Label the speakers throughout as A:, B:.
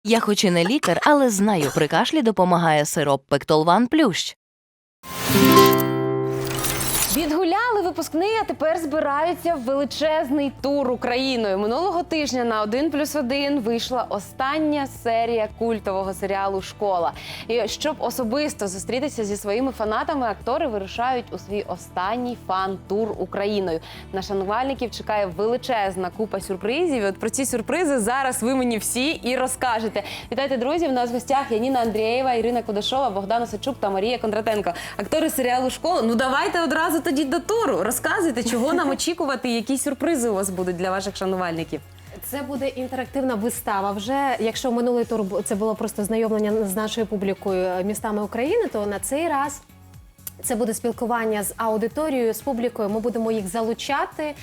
A: Я хоч і не лікар, але знаю, при кашлі допомагає сироп Пектолван Плющ.
B: Відгуляли випускний, а тепер збираються в величезний тур Україною. Минулого тижня на 1+1 вийшла остання серія культового серіалу «Школа». І щоб особисто зустрітися зі своїми фанатами, актори вирушають у свій останній фан-тур Україною. На шанувальників чекає величезна купа сюрпризів. І от про ці сюрпризи зараз ви мені всі і розкажете. Вітайте, друзі! В нас в гостях Яніна Андрієва, Ірина Кудашова, Богдан Осадчук та Марія Кондратенко. Актори серіалу «Школа». Ну давайте одразу тоді до туру. Розказуйте, чого нам очікувати, які сюрпризи у вас будуть для ваших шанувальників.
C: Це буде інтерактивна вистава. Вже якщо минулий тур це було просто знайомлення з нашою публікою містами України, то на цей раз це буде спілкування з аудиторією, з публікою. Ми будемо їх залучати.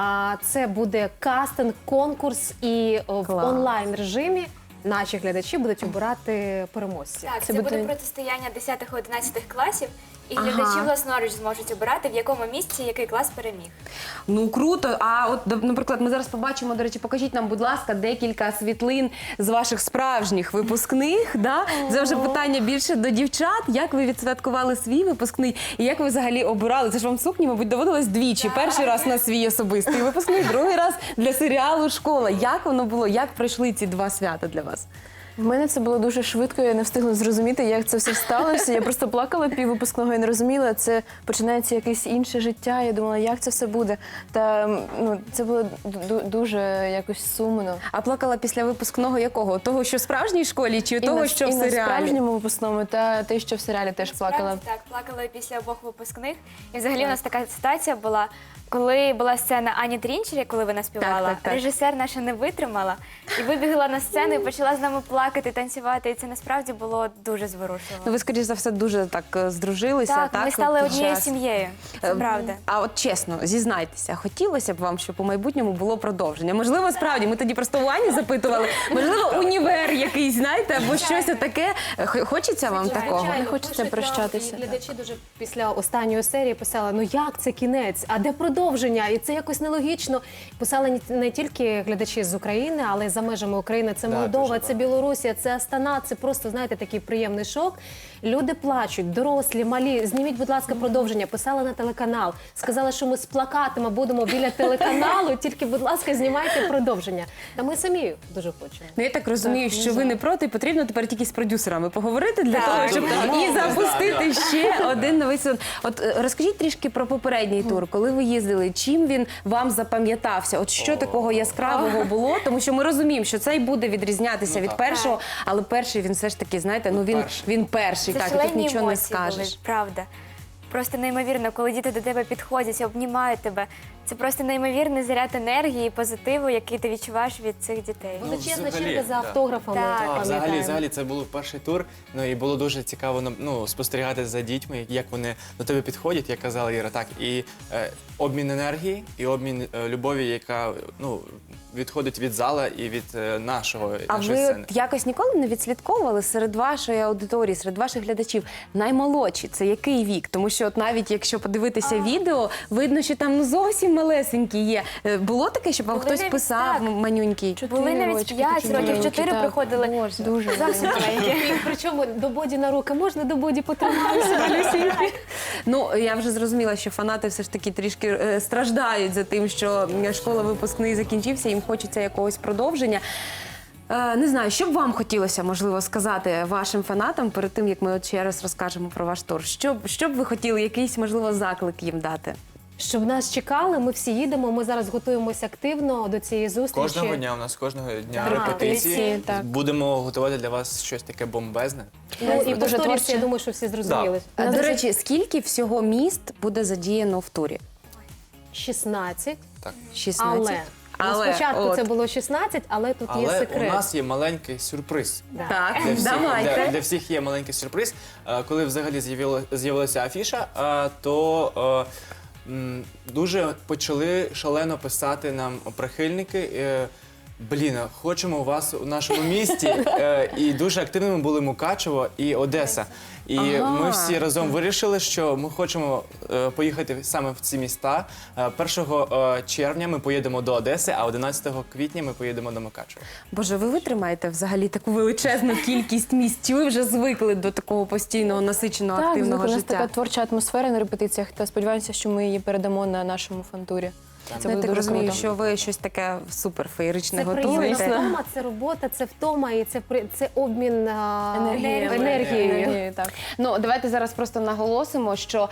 C: Це буде кастинг, конкурс і в онлайн режимі наші глядачі будуть обирати переможців.
D: Так, це буде протистояння 10-11 класів, і глядачі власноруч зможуть обирати, в якому місці який клас переміг.
B: Ну, круто. А от, наприклад, ми зараз побачимо, до речі, покажіть нам, будь ласка, декілька світлин з ваших справжніх випускних. Да? Це вже питання більше до дівчат. Як ви відсвяткували свій випускний і як ви взагалі обирали? Це ж вам сукні, мабуть, доводилось двічі. Перший раз на свій особистий випускний, другий раз для серіалу «Школа». Як воно було? Як пройшли ці два свята для вас?
E: В мене це було дуже швидко, я не встигла зрозуміти, як це все сталося. Я просто плакала піввипускного і не розуміла, це починається якесь інше життя. Я думала, як це все буде. Та це було дуже якось сумно.
B: А плакала після випускного якого? Того, що в справжній школі, чи того, що в
E: І на
B: серіалі?
E: справжньому випускному, та те, що в серіалі теж плакала.
D: Так, плакала після обох випускних. І взагалі у нас така ситуація була, коли була сцена Ані Трінчері, коли вона співала,
B: Так.
D: режисер наша не витримала і вибігла на сцену і почала з нами плакати, танцювати. І це насправді було дуже зворушливо.
B: Ну, ви, скоріш за все, дуже так здружилися.
D: Так, ми стали
B: під
D: однією
B: час?
D: сім'єю, це правда.
B: А от чесно, зізнайтеся, хотілося б вам, щоб у майбутньому було продовження? Можливо, справді, ми тоді просто у Ані запитували, можливо, універ якийсь, знаєте, або щось таке. Хочеться вам такого?
C: Звичайно,
E: Не хочеться
C: пишуть нам,
E: прощатися.
C: і глядачі дуже після останньої серії писали, ну як це кінець, а де продовження? І це якось нелогічно. Писали не тільки глядачі з України, але й за межами України. Це Молдова, це Білорусія, це Астана. Це просто, знаєте, такий приємний шок. Люди плачуть, дорослі, малі. Зніміть, будь ласка, продовження. Писали на телеканал. Сказали, що ми з плакатами будемо біля телеканалу, тільки, будь ласка, знімайте продовження. Та ми самі дуже хочемо.
B: Ну, я так розумію, що ви не проти, потрібно тепер тільки з продюсерами поговорити для того, щоб і запустити ще один новий сезон. От розкажіть трішки про попередній тур, коли ви їздили, чим він вам запам'ятався? От що такого яскравого було? Тому що ми розуміємо, що цей буде відрізнятися від першого, але перший він все ж таки, знаєте, ну він перший,
D: Це
B: так, і тут
D: шалені
B: нічого не
D: емоції були,
B: скажеш.
D: правда. Просто неймовірно, коли діти до тебе підходять, обнімають тебе. Це просто неймовірний заряд енергії і позитиву, який ти відчуваєш від цих дітей.
C: Величезна
F: взагалі,
C: черга за
F: да.
C: автографами,
D: Так.
C: пам'ятаємо.
F: Взагалі це був перший тур, ну і було дуже цікаво спостерігати за дітьми, як вони до тебе підходять, як казала Іра, так, і обмін енергії, і обмін любові, яка відходить від зала і від нашої
B: А ви
F: сцени.
B: от якось ніколи не відслідковували серед вашої аудиторії, серед ваших глядачів наймолодші? Це який вік? Тому що от навіть якщо подивитися відео, видно, що там зовсім малесенькі є. Було таке, щоб вам
D: Були
B: хтось
D: навіть
B: писав
D: так.
B: манюнький?
D: Були навіть
E: рочки
D: 5
E: такі
D: років,
E: маленькі,
D: 4
E: так.
D: приходили.
E: Дуже.
D: Зовсім маленькі.
C: І причому до боді на руки. Можна до боді потриматися, малюсінькі?
B: Ну, я вже зрозуміла, що фанати все ж таки трішки страждають за тим, що школа випускний закінчився, їм хочеться якогось продовження. Не знаю, що б вам хотілося, можливо, сказати вашим фанатам перед тим, як ми от ще раз розкажемо про ваш тур? Що б ви хотіли, якийсь, можливо, заклик їм дати?
C: Щоб нас чекали, ми всі їдемо, ми зараз готуємося активно до цієї зустрічі.
F: Кожного дня у нас кожного дня
C: Так,
F: репетиції.
E: репетиції, так.
F: Будемо готувати для вас щось таке бомбезне.
C: Ну, і
E: Дуже
C: повторюся,
E: творче.
C: я думаю, що всі зрозуміли.
B: До речі, скільки всього міст буде задіяно в турі?
C: 16,
B: 16.
C: але спочатку
B: от.
C: це було 16, але тут є
F: Але
C: секрет.
F: у нас є маленький сюрприз.
B: Так,
F: Для всіх,
B: давайте.
F: для всіх є маленький сюрприз. Коли взагалі з'явилася афіша, то дуже почали шалено писати нам прихильники Хочемо у вас у нашому місті. І дуже активними були Мукачево і Одеса. І ми всі разом вирішили, що ми хочемо поїхати саме в ці міста. 1 червня ми поїдемо до Одеси, а 11 квітня ми поїдемо до Мукачева.
B: Боже, ви витримаєте взагалі таку величезну кількість місць? Чи ви вже звикли до такого постійного насиченого
E: Так,
B: активного
E: у нас
B: життя?
E: така творча атмосфера на репетиціях, та сподіваємося, що ми її передамо на нашому фантурі. Це
B: Я
E: буде
B: так
E: дуже
B: розумію,
E: круто.
B: що ви щось таке супер феєричне
C: Це приємна
B: готуєте.
C: втома, це робота, це втома і це обмін
E: Енергією, так.
B: Ну, давайте зараз просто наголосимо, що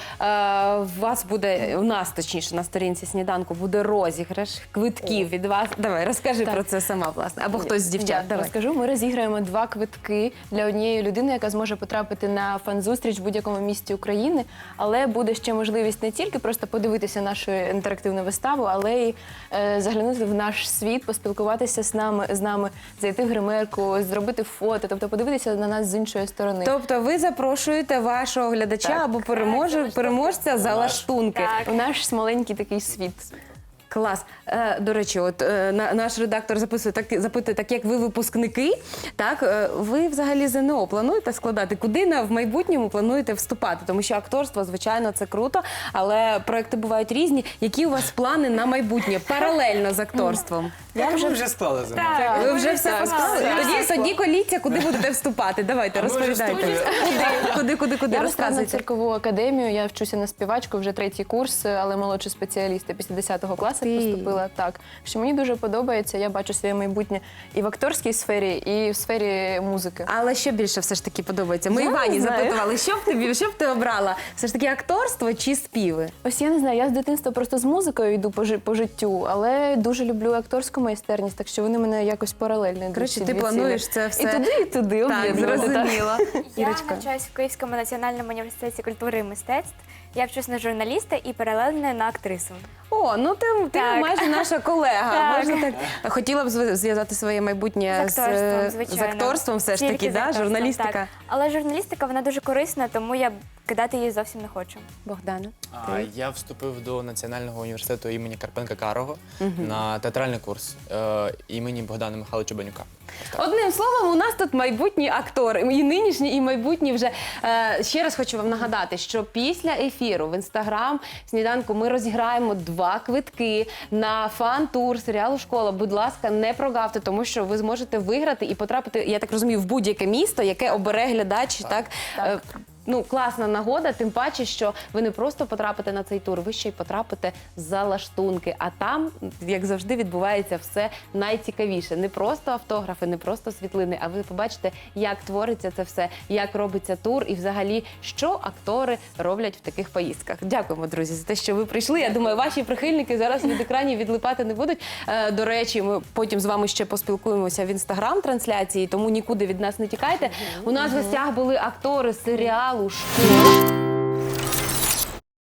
B: у нас, точніше, на сторінці сніданку буде розіграш квитків від вас. Давай, розкажи про це сама, власне. Або хтось з дівчат.
E: Я
B: Давай.
E: розкажу. Ми розіграємо 2 квитки для однієї людини, яка зможе потрапити на фан-зустріч в будь-якому місті України. Але буде ще можливість не тільки просто подивитися нашу інтерактивну виставу, але й заглянути в наш світ, поспілкуватися з нами, зайти в гримерку, зробити фото, тобто подивитися на нас з іншої сторони.
B: Тобто ви запрошуєте вашого глядача
E: Так.
B: або переможця за лаштунки.
E: У наш маленький такий світ.
B: Клас. До речі, от наш редактор запитує, так як ви випускники, так ви взагалі ЗНО плануєте складати? Куди в майбутньому плануєте вступати? Тому що акторство, звичайно, це круто, але проекти бувають різні. Які у вас плани на майбутнє паралельно з акторством?
F: Я вже склали за мною.
B: Ви вже все посклали? Тоді коліться, куди будете вступати. Давайте,
F: ми вже
B: розповідайте. Куди
E: Я розказую на
B: розказуйте?
E: циркову академію, я вчуся на співачку, вже 3-й курс, але молодший спеціаліст. Я після 10-го класу поступила. Так, що мені дуже подобається, я бачу своє майбутнє і в акторській сфері, і в сфері музики.
B: Але що більше все ж таки подобається? Ми
E: Я не
B: Івані
E: знаю.
B: запитували, що б ти обрала? Все ж таки акторство чи співи?
E: Ось я не знаю, я з дитинства просто з музикою йду по життю, але дуже люблю акторську майстерність, так що вони мене якось паралельно йдуть.
B: Коротше,
E: ці
B: ти
E: дві
B: плануєш
E: цілі.
B: це все.
E: І туди
B: Так,
E: об'єднувати, так.
B: зрозуміло.
D: Я
B: Ірочка.
D: навчаюсь в Київському національному університеті культури і мистецтв. Я вчусь на журналіста і паралельно на актрису.
B: О, ну ти
D: Так.
B: майже наша колега.
D: Так.
B: Можна так. Хотіла б зв'язати своє майбутнє
D: З акторством, звичайно.
B: з акторством все ж
D: Тільки
B: таки,
D: з
B: да?
D: акторством,
B: Журналістика.
D: так. Але журналістика, вона дуже корисна, тому я кидати її зовсім не хочу.
B: Богдана.
F: Я вступив до Національного університету імені Карпенка-Карого на театральний курс імені Богдана Михайловича Банюка.
B: Одним словом, у нас тут майбутні актори, і нинішні, і майбутні вже. Ще раз хочу вам нагадати, що після ефіру в інстаграм сніданку ми розіграємо 2 квитки на фан-тур серіалу «Школа». Будь ласка, не прогавте, тому що ви зможете виграти і потрапити, я так розумію, в будь-яке місто, яке обере глядач. Так. Ну, класна нагода, тим паче, що ви не просто потрапите на цей тур, ви ще й потрапите за лаштунки. А там, як завжди, відбувається все найцікавіше. Не просто автографи, не просто світлини, а ви побачите, як твориться це все, як робиться тур і взагалі, що актори роблять в таких поїздках. Дякуємо, друзі, за те, що ви прийшли. Я думаю, ваші прихильники зараз від екранів відлипати не будуть. До речі, ми потім з вами ще поспілкуємося в інстаграм-трансляції, тому нікуди від нас не тікайте. У нас в гостях були актори серіалу «Школа».